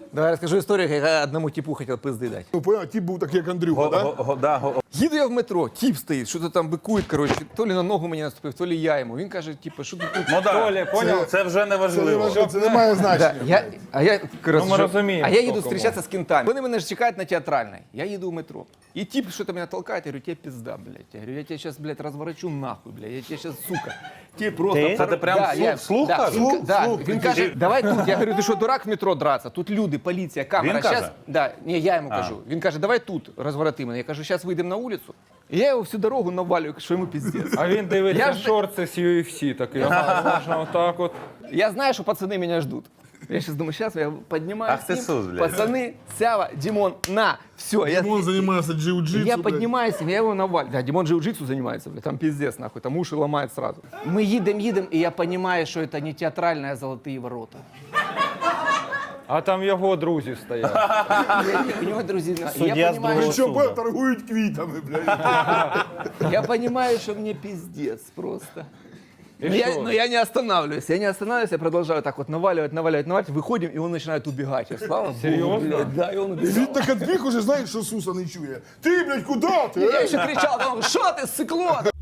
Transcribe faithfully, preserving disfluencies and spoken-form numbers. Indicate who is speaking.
Speaker 1: Давай расскажу историю, как я одному типу хотел пизды дать.
Speaker 2: Ну, понял, тип був такий, як Андрюха,
Speaker 3: Го-
Speaker 2: да?
Speaker 3: го- го- да, го-
Speaker 1: Їду я в метро, тіп стоїть, що-то там бикує, коротше, то лі на ногу мені наступив, то лі я йому. Він каже, типу, що ти тут?
Speaker 3: Ну да,
Speaker 4: Толя, понял?
Speaker 3: це вже не
Speaker 2: Це, не
Speaker 3: важливо.
Speaker 2: важливо, це не має
Speaker 1: Да,
Speaker 2: значення.
Speaker 1: я, а я, коротше,
Speaker 4: Ну, ми
Speaker 1: що-
Speaker 4: розуміємо,
Speaker 1: а я
Speaker 4: хто
Speaker 1: їду
Speaker 4: кому.
Speaker 1: зустрічатися з кентами. Вони мене ж чекають на театральній. Я їду в метро. І тип що-то мене толкає, я говорю, тебе пизда, блядь. Я говорю, я тебе сейчас, блядь, разворачу нахуй, блядь. Я тебе сейчас, сука. Тебе просто...
Speaker 4: Ти?
Speaker 3: Це ти прям
Speaker 1: Да,
Speaker 3: вслух-
Speaker 1: я-
Speaker 3: вслух
Speaker 1: да,
Speaker 3: кажеш?
Speaker 1: він,
Speaker 2: Вслух,
Speaker 1: да,
Speaker 2: вслух,
Speaker 1: він
Speaker 2: прикинь.
Speaker 1: каже, давай тут. Я говорю, ти що, дурак в метро драться? Тут люди, поліція, камера.
Speaker 3: Він каже?
Speaker 1: Щас... Да, ні, я йому
Speaker 3: А.
Speaker 1: кажу. Він каже, давай тут, розвороти мене. Я кажу, зараз вийдемо на вулицю. І я його всю дорогу навалюю, що йому пиздець.
Speaker 4: А він дивиться
Speaker 1: Я ж-
Speaker 4: шорти з ю еф сі такий. Ага, можна отак от.
Speaker 1: Я знаю, что пацаны меня ждут. Я сейчас думаю, сейчас я поднимаюсь.
Speaker 3: Ах ты
Speaker 1: с ним.
Speaker 3: сус, блядь.
Speaker 1: Пацаны, Сява, Димон, на, все. Я,
Speaker 2: Димон займається джиу-джитсу.
Speaker 1: я
Speaker 2: блядь.
Speaker 1: поднимаюсь, я его навалю. Да, Димон джиу-джитсу занимается, блядь, там пиздец, нахуй, там уши ломает сразу. Мы едем, едем, и я понимаю, что это не театральные золотые ворота.
Speaker 4: А там його друзі стоять.
Speaker 1: Я не понимаю, друзья, я
Speaker 4: Судья с
Speaker 1: понимаю,
Speaker 4: другого
Speaker 1: что,
Speaker 2: Що, бо, торгують квітами, блядь.
Speaker 1: я понимаю, что мне пиздец просто.
Speaker 4: И
Speaker 1: Но я,
Speaker 4: что?
Speaker 1: но я не останавливаюсь, я не останавливаюсь, я продолжаю так вот наваливать, наваливать, наваливать, выходим, и он начинает убегать. Я, слава Богу,
Speaker 4: Серьезно?
Speaker 1: блядь, да, и он убегал.
Speaker 2: Він так відбіг уже, знаєш, що Суса не чує. Ти, блядь, куди ти?
Speaker 1: Я
Speaker 2: е?
Speaker 1: еще кричал, там, что ты, сыкло?